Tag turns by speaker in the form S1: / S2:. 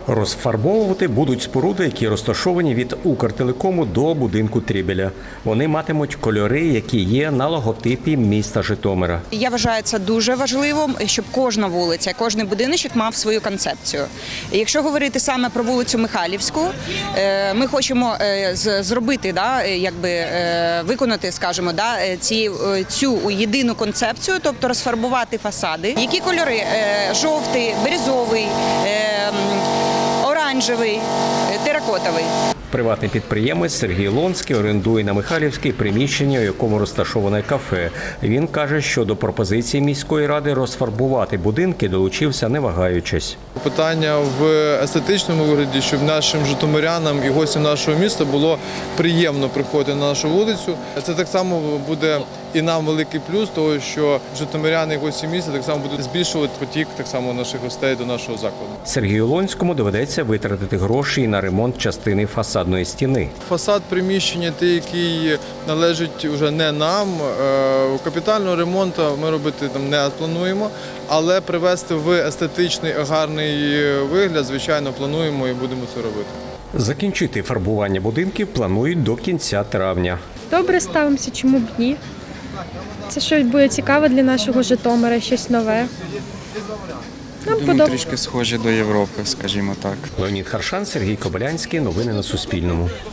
S1: Розфарбовувати будуть споруди, які розташовані від Укртелекому до будинку Трібеля. Вони матимуть кольори, які є на логотипі міста Житомира.
S2: Я вважаю це дуже важливим, щоб кожна вулиця, кожен будиночок мав свою концепцію. Якщо говорити саме про вулицю Михайлівську, ми хочемо зробити, виконати, скажімо, цю єдину концепцію, тобто розфарбувати фасади. Які кольори? Жовтий, бирюзовий, оранжевий, теракотовий.
S1: Приватний підприємець Сергій Лонський орендує на Михайлівській приміщення, у якому розташоване кафе. Він каже, що до пропозиції міської ради розфарбувати будинки долучився не вагаючись.
S3: Питання в естетичному вигляді, щоб нашим житомирянам і гостям нашого міста було приємно приходити на нашу вулицю. Це так само буде і нам великий плюс, того що житомиряни і гості міста так само будуть збільшувати потік так само наших гостей до нашого закладу.
S1: Сергію Лонському доведеться витратити гроші і на ремонт частини фасадної стіни.
S3: Фасад приміщення, той, який належить вже не нам, капітального ремонту ми робити там не плануємо, але привести в естетичний, гарний вигляд, звичайно, плануємо і будемо це робити.
S1: Закінчити фарбування будинків планують до кінця травня.
S4: Добре ставимося, чому б ні. Це щось буде цікаве для нашого Житомира, щось нове. Нам
S5: Думаю, трішки схожі до Європи, скажімо так.
S1: Леонід Харшан, Сергій Кобилянський. Новини на Суспільному.